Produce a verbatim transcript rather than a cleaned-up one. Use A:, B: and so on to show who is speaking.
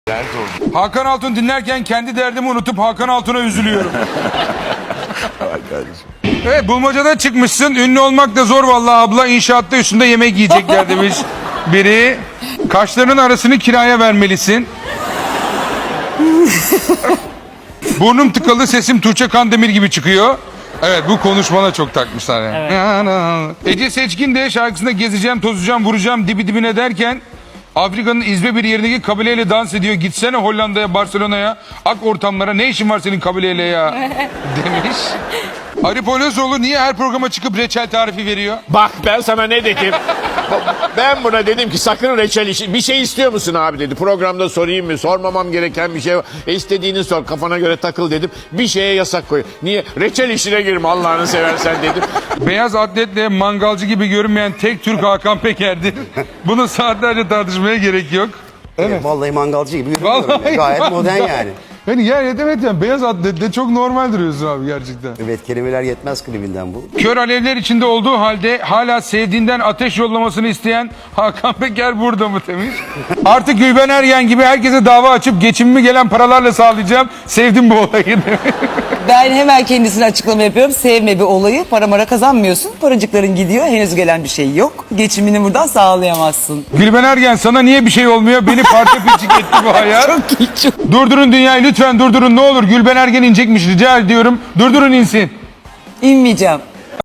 A: Hakan Altun dinlerken kendi derdimi unutup Hakan Altun'a üzülüyorum. Evet, bulmacada çıkmışsın. Ünlü olmak da zor vallahi abla. İnşaatta üstünde yemek yiyecekler demiş biri. Kaşlarının arasını kiraya vermelisin. Burnum tıkalı, sesim Tuğçe Kandemir gibi çıkıyor. Evet, bu konuşmana çok takmışlar yani. Evet. Ece Seçkin de şarkısında gezeceğim, tozacağım, vuracağım dibi dibine derken Afrika'nın izbe bir yerindeki kabileyle dans ediyor. Gitsene Hollanda'ya, Barcelona'ya, ak ortamlara, ne işin var senin kabileyle ya demiş. Arif Olazoğlu niye her programa çıkıp reçel tarifi veriyor?
B: Bak ben sana ne dedim? Ben buna dedim ki sakın reçel işi. Bir şey istiyor musun abi dedi. Programda sorayım mı? Sormamam gereken bir şey var. E istediğini sor, kafana göre takıl dedim. Bir şeye yasak koy. Niye? Reçel işine girme Allah'ını seversen dedim.
A: Beyaz atletle mangalcı gibi görünmeyen tek Türk Hakan Peker'dir. Bunu saatlerce tartışmaya gerek yok.
C: Evet. Vallahi mangalcı gibi görünüyorum.
A: Vallahi
C: ya. Gayet
A: mangal.
C: modern yani.
A: Yani yer evet yani beyaz atletle çok normal duruyorsun abi gerçekten.
C: Evet, kelimeler yetmez klibinden bu.
A: Kör alevler içinde olduğu halde hala sevdiğinden ateş yollamasını isteyen Hakan Peker burada mı demiş. Artık Gülben Ergen gibi herkese dava açıp geçimimi gelen paralarla sağlayacağım. Sevdim bu olayı demiş.
D: Ben hemen kendisine açıklama yapıyorum. Sevme bir olayı. Para mara kazanmıyorsun. Paracıkların gidiyor. Henüz gelen bir şey yok. Geçimini buradan sağlayamazsın.
A: Gülben Ergen sana niye bir şey olmuyor? Beni parça pinçik etti bu hayat.
D: Çok iyi, çok.
A: Durdurun dünyayı lütfen durdurun ne olur. Gülben Ergen inecekmiş rica ediyorum. Durdurun insin.
D: İnmeyeceğim.